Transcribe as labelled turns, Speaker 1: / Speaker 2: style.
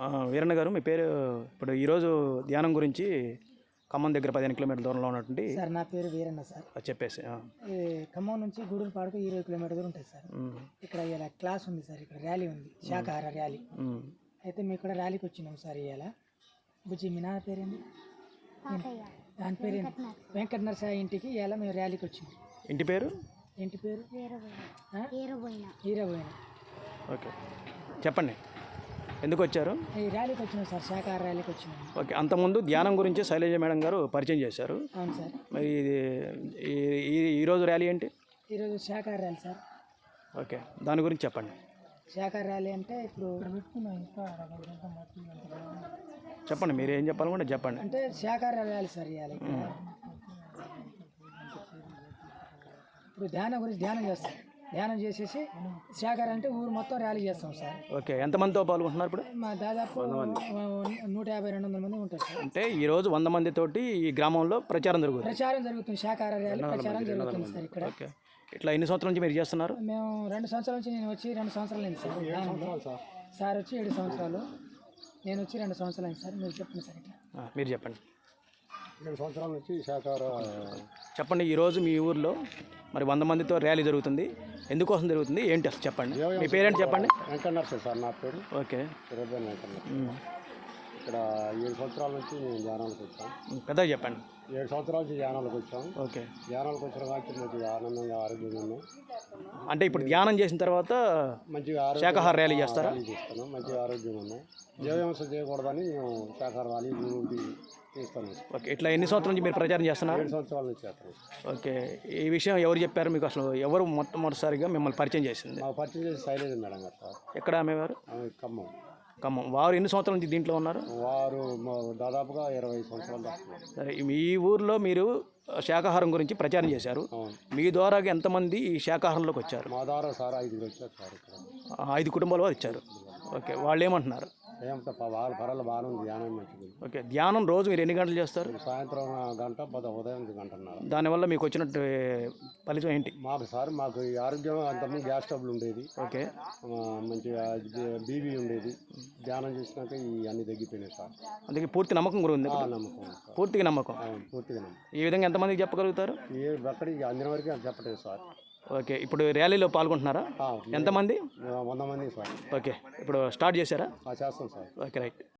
Speaker 1: వీరన్న గారు, మీ పేరు? ఇప్పుడు ఈరోజు ధ్యానం గురించి ఖమ్మం దగ్గర 15 కిలోమీటర్ల దూరంలో ఉన్నటువంటి
Speaker 2: సార్, నా పేరు వీరన్న సార్.
Speaker 1: చెప్పేసి
Speaker 2: ఈ ఖమ్మం నుంచి గూడూరుపాడుకు 20 కిలోమీటర్ దూరం ఉంటుంది సార్. ఇక్కడ ఇలా క్లాస్ ఉంది సార్, ఇక్కడ ర్యాలీ ఉంది, శాకాహార ర్యాలీ. అయితే మేము ఇక్కడ ర్యాలీకి వచ్చినాం సార్. ఇవాళ బుజ్జి, మీ నాన్న పేరేంది? దాని పేరేంది? వెంకట నరసాయి ఇంటికి ఇవాళ మేము ర్యాలీకి వచ్చినాం.
Speaker 1: ఇంటి పేరు?
Speaker 2: ఇంటి పేరు హీరబోయిన.
Speaker 1: ఓకే, చెప్పండి, ఎందుకు వచ్చారు?
Speaker 2: ఈ ర్యాలీకి వచ్చినాం సార్, శాకాహార ర్యాలీకి వచ్చినాం.
Speaker 1: ఓకే, అంతకుముందు ధ్యానం గురించి శైలజ మేడం గారు పరిచయం చేశారు.
Speaker 2: అవును సార్.
Speaker 1: మరి ఇది ఈరోజు ర్యాలీ ఏంటి?
Speaker 2: ఈరోజు శాకాహార ర్యాలీ సార్.
Speaker 1: ఓకే, దాని గురించి చెప్పండి.
Speaker 2: శాకాహార ర్యాలీ అంటే ఇప్పుడు
Speaker 1: చెప్పండి, మీరు ఏం చెప్పాలనుకుంటే చెప్పండి.
Speaker 2: అంటే శాకాహార ర్యాలీ సార్. ఇవాళ ఇప్పుడు ధ్యానం గురించి ధ్యానం చేస్తాం. ధ్యానం చేసేసి శాకాహార అంటే ఊరు మొత్తం ర్యాలీ చేస్తాం సార్.
Speaker 1: ఓకే, ఎంతమందితో పాల్గొంటున్నారు ఇప్పుడు?
Speaker 2: మా దాదాపు 150-200 మంది ఉంటారు సార్.
Speaker 1: అంటే ఈరోజు 100 మందితోటి ఈ గ్రామంలో ప్రచారం
Speaker 2: జరుగుతుంది. శాకాహార ర్యాలీ ప్రచారం జరుగుతుంది సార్ ఇక్కడ.
Speaker 1: ఓకే, ఇట్లా ఎన్ని సంవత్సరాల నుంచి మీరు చేస్తున్నారు?
Speaker 2: మేము 2 సంవత్సరాల నుంచి. నేను వచ్చి 2 సంవత్సరాలు అయింది సార్. సార్ వచ్చి 7 సంవత్సరాలు, నేను వచ్చి 2 సంవత్సరాలు అయింది సార్. మీరు చెప్పండి సార్. ఇట్లా
Speaker 1: మీరు చెప్పండి.
Speaker 3: 2 సంవత్సరాల నుంచి శాకాహార. చెప్పండి,
Speaker 1: ఈరోజు మీ ఊర్లో మరి 100 మందితో ర్యాలీ జరుగుతుంది, ఎందుకోసం జరుగుతుంది, ఏంటి అసలు చెప్పండి. మీ పేరేంటి చెప్పండి?
Speaker 3: వెంకట నరసాయి సార్ నా పేరు.
Speaker 1: ఓకే,
Speaker 3: వెంకట నరసాయి. ఇక్కడ 7 సంవత్సరాల నుంచి మేము ధ్యానాలకు వచ్చాం.
Speaker 1: పెద్దగా చెప్పండి.
Speaker 3: 7 సంవత్సరాల నుంచి ధ్యానాలకు వచ్చాం.
Speaker 1: ఓకే,
Speaker 3: ధ్యానాలకు వచ్చిన కాబట్టి మంచిగా ఆనందంగా ఆరోగ్యంగా ఉన్నాం.
Speaker 1: అంటే ఇప్పుడు ధ్యానం చేసిన తర్వాత
Speaker 3: మంచిగా
Speaker 1: శాకాహార ర్యాలీ చేస్తారా?
Speaker 3: చేస్తున్నాం, మంచిగా ఆరోగ్యంగా ఉన్నాం. జీవహింస చేయకూడదని మేము శాకాహార ర్యాలీ చేస్తాను.
Speaker 1: ఓకే, ఇట్లా ఎన్ని సంవత్సరాల నుంచి మీరు ప్రచారం చేస్తున్నారు?
Speaker 3: 7 సంవత్సరాల నుంచి చేస్తాను.
Speaker 1: ఓకే, ఈ విషయం ఎవరు చెప్పారు మీకు? అసలు ఎవరు మొట్టమొదటిసారిగా మిమ్మల్ని పరిచయం చేసింది?
Speaker 3: మాకు పరిచయం చేసి శైలజ మేడం గారు సార్.
Speaker 1: ఎక్కడ ఆమెవారు?
Speaker 3: ఖమ్మం.
Speaker 1: ఖమ్మం. వారు ఎన్ని సంవత్సరాల నుంచి దీంట్లో ఉన్నారు?
Speaker 3: వారు దాదాపుగా 20 సంవత్సరాలు.
Speaker 1: సరే, ఈ ఊర్లో మీరు శాకాహారం గురించి ప్రచారం చేశారు. మీ ద్వారా ఎంతమంది ఈ శాకాహారంలోకి వచ్చారు?
Speaker 3: మా ద్వారా సార్ 5 వచ్చారు సార్.
Speaker 1: 5 కుటుంబాల వారు ఇచ్చారు. ఓకే, వాళ్ళు ఏమంటున్నారు?
Speaker 3: వాళ్ళ పరాలు బాగానే ఉంది, ధ్యానం మంచిది.
Speaker 1: ఓకే, ధ్యానం రోజు మీరు ఎన్ని గంటలు చేస్తారు?
Speaker 3: సాయంత్రం 1 గంట, ఉదయం 1 గంటన్నర.
Speaker 1: దానివల్ల మీకు వచ్చినట్టు ఫలితం ఏంటి?
Speaker 3: మాకు సార్, మాకు ఈ ఆరోగ్యం అంతకుముందు గ్యాస్ ట్రబుల్ ఉండేది.
Speaker 1: ఓకే,
Speaker 3: మంచిగా బీబీ ఉండేది. ధ్యానం చేసినాక ఈ అన్ని తగ్గిపోయినాయి సార్.
Speaker 1: అందుకే పూర్తి నమ్మకం కూడా ఉంది.
Speaker 3: నమ్మకం,
Speaker 1: పూర్తిగా నమ్మకం.
Speaker 3: పూర్తిగా నమ్మకం.
Speaker 1: ఈ విధంగా ఎంతమందికి చెప్పగలుగుతారు?
Speaker 3: అక్కడికి అందిన వరకు చెప్పలేదు సార్.
Speaker 1: ఓకే, ఇప్పుడు ర్యాలీలో పాల్గొంటున్నారా? ఎంతమంది?
Speaker 3: 100 మంది సార్.
Speaker 1: ఓకే, ఇప్పుడు స్టార్ట్ చేశారా?
Speaker 3: చేస్తాం సార్.
Speaker 1: Okay, right.